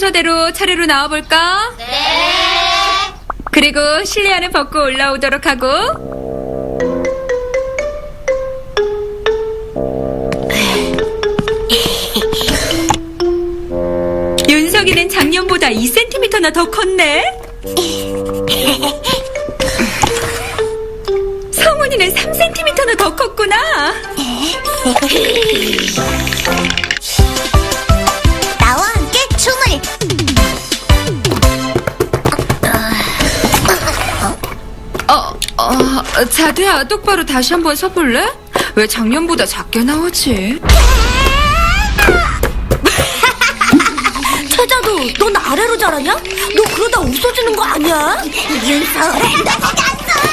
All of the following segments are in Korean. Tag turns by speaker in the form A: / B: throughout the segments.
A: 순서대로 차례로 나와볼까?
B: 네.
A: 그리고 실내화는 벗고 올라오도록 하고. 윤석이는 작년보다 2cm나 더 컸네. 성훈이는 3cm나 더 컸구나.
B: 나와 함께 춤을.
A: 자두야, 똑바로 다시 한번 서볼래? 왜 작년보다 작게 나오지?
C: 태자도 넌 아래로 자라냐? 너 그러다 없어지는 거 아니야?
B: 윤서, 너 거기 안 서.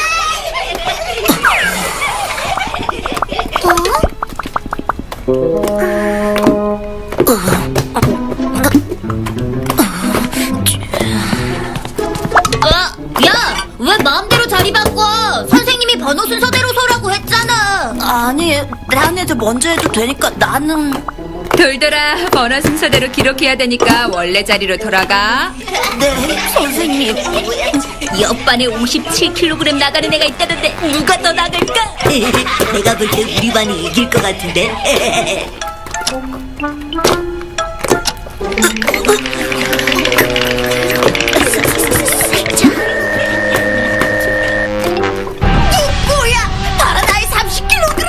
B: 야, 왜 마음대로 자리 바꿔? 선생님이 번호 순서대로 서라고 했잖아.
C: 아니, 딴 애들 먼저 해도 되니까 나는...
A: 돌돌아, 번호 순서대로 기록해야 되니까 원래 자리로 돌아가.
C: 네, 선생님.
B: 옆반에 57kg 나가는 애가 있다는데 누가 더 나갈까?
C: 내가 볼 때 우리 반이 이길 것 같은데.
B: 뭐야? 바로 나의 30kg.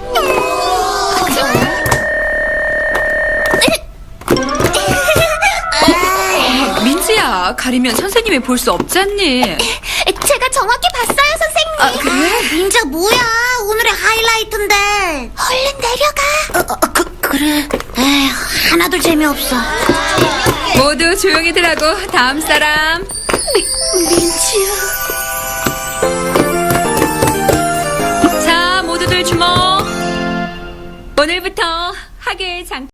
A: 민지야, 가리면 선생님이 볼 수 없잖니.
B: 제가 정확히 봤어요, 선생님.
A: 아, 그래?
B: 민자 뭐야? 오늘의 하이라이트인데. 얼른 내려가.
C: 그래.
B: 에휴, 하나도 재미없어.
A: 모두 조용히들 하고 다음 사람.
C: 민지야.
A: 자, 모두들 주목. 오늘부터 학예의 장